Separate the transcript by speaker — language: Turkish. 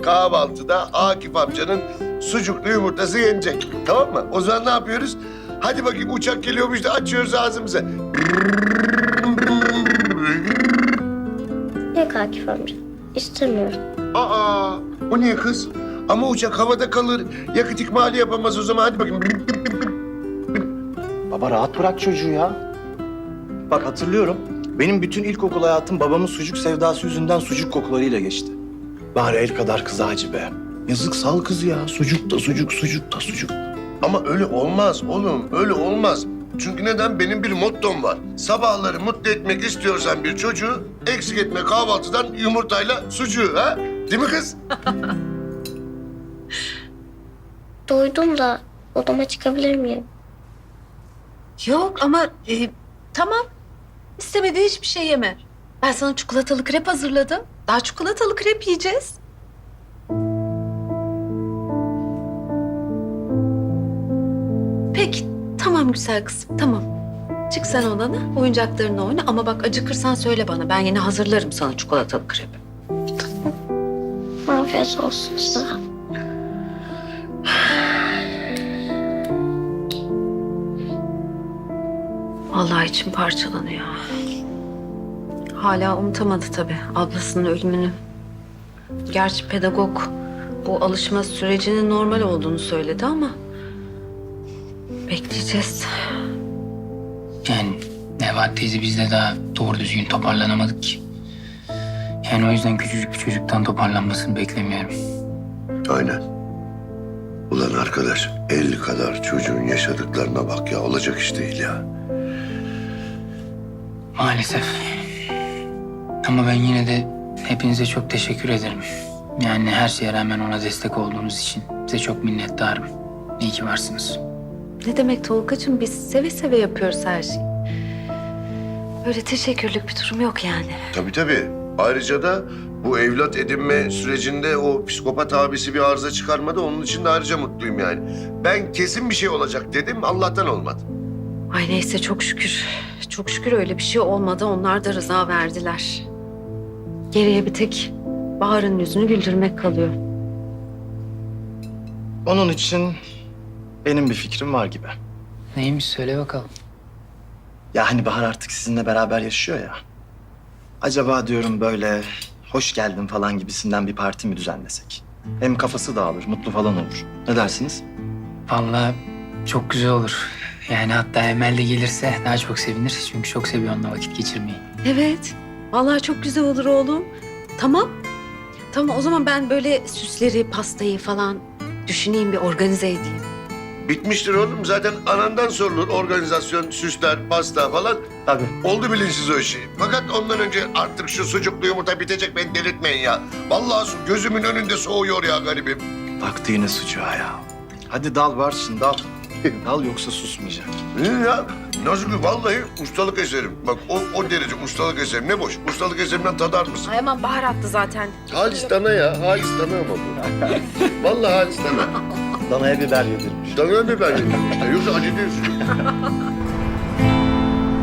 Speaker 1: kahvaltıda Akif amcanın sucuklu yumurtası yenecek. Tamam mı? O zaman ne yapıyoruz? Hadi bakayım uçak geliyormuş da açıyoruz ağzımızı.
Speaker 2: Yok Akif amca. İstemiyorum.
Speaker 1: Aa, o niye kız? Ama uçak havada kalır. Yakıt ikmali yapamaz o zaman. Hadi bakayım.
Speaker 3: Baba rahat bırak çocuğu ya. Bak hatırlıyorum. Benim bütün ilkokul hayatım babamın sucuk sevdası yüzünden sucuk kokularıyla geçti. Bari el kadar kız acı be. Yazık sal kız ya. Sucuk da sucuk, sucuk da sucuk.
Speaker 1: Ama öyle olmaz oğlum, öyle olmaz. Çünkü neden? Benim bir mottom var. Sabahları mutlu etmek istiyorsan bir çocuğu, eksik etme kahvaltıdan yumurtayla sucuğu, ha? Değil mi kız?
Speaker 2: Doydum da odama çıkabilir miyim?
Speaker 4: Yok ama tamam. İstemediği hiçbir şey yeme. Ben sana çikolatalı krep hazırladım. Daha çikolatalı krep yiyeceğiz. Peki, tamam güzel kızım, tamam. Çık sen odana, oyuncaklarınla oyna ama bak acıkırsan söyle bana. Ben yine hazırlarım sana çikolatalı krepi.
Speaker 2: Afiyet olsun size.
Speaker 4: Vallahi içim parçalanıyor. Hala unutamadı tabii ablasının ölümünü. Gerçi pedagog bu alışma sürecinin normal olduğunu söyledi ama bekleyeceğiz.
Speaker 5: Yani Nebahat teyze biz de daha doğru düzgün toparlanamadık ki. Yani o yüzden küçücük bir çocuktan toparlanmasını beklemiyorum.
Speaker 1: Aynen. Ulan arkadaş, 50 kadar çocuğun yaşadıklarına bak ya. Olacak iş değil ya.
Speaker 5: Maalesef. Ama ben yine de hepinize çok teşekkür ederim. Yani her şeye rağmen ona destek olduğunuz için size çok minnettarım. İyi ki varsınız.
Speaker 4: Ne demek Tolgacığım, biz seve seve yapıyoruz her şeyi. Böyle teşekkürlük bir durum yok yani.
Speaker 1: Tabii tabii. Ayrıca da bu evlat edinme sürecinde o psikopat abisi bir arıza çıkarmadı. Onun için de ayrıca mutluyum yani. Ben kesin bir şey olacak dedim, Allah'tan olmadı.
Speaker 4: Ay neyse çok şükür. Çok şükür öyle bir şey olmadı. Onlar da rıza verdiler. Geriye bir tek Bahar'ın yüzünü güldürmek kalıyor.
Speaker 3: Onun için benim bir fikrim var gibi.
Speaker 5: Neymiş söyle bakalım.
Speaker 3: Ya hani Bahar artık sizinle beraber yaşıyor ya. Acaba diyorum böyle hoş geldin falan gibisinden bir parti mi düzenlesek? Hem kafası dağılır, mutlu falan olur. Ne dersiniz?
Speaker 5: Vallahi çok güzel olur. Yani hatta Emel de gelirse daha çok sevinir. Çünkü çok seviyor onunla vakit geçirmeyi.
Speaker 4: Evet. Vallahi çok güzel olur oğlum. Tamam. Tamam o zaman ben böyle süsleri, pastayı falan düşüneyim, bir organize edeyim.
Speaker 1: Bitmiştir oğlum. Zaten anandan sorulur. Organizasyon, süsler, pasta falan.
Speaker 3: Tabii.
Speaker 1: Oldu bilinçsiz o işi. Fakat ondan önce artık şu sucuklu yumurta bitecek, beni delirtmeyin ya. Vallahi gözümün önünde soğuyor ya garibim.
Speaker 3: Baktı yine sucuğa ya. Hadi dal var şimdi dal. Dal yoksa susmayacak.
Speaker 1: Ya nasıl ki vallahi ustalık eserim. Bak o derece ustalık eserim. Ne boş. Ustalık eserimden tadar mısın?
Speaker 4: Ay aman Bahar attı zaten.
Speaker 1: Halis dana ya. Halis dana ama bu. Vallahi halis dana.
Speaker 3: Danaya biber yedirmiş.
Speaker 1: Dana biber. Yoksa acı diyorsun.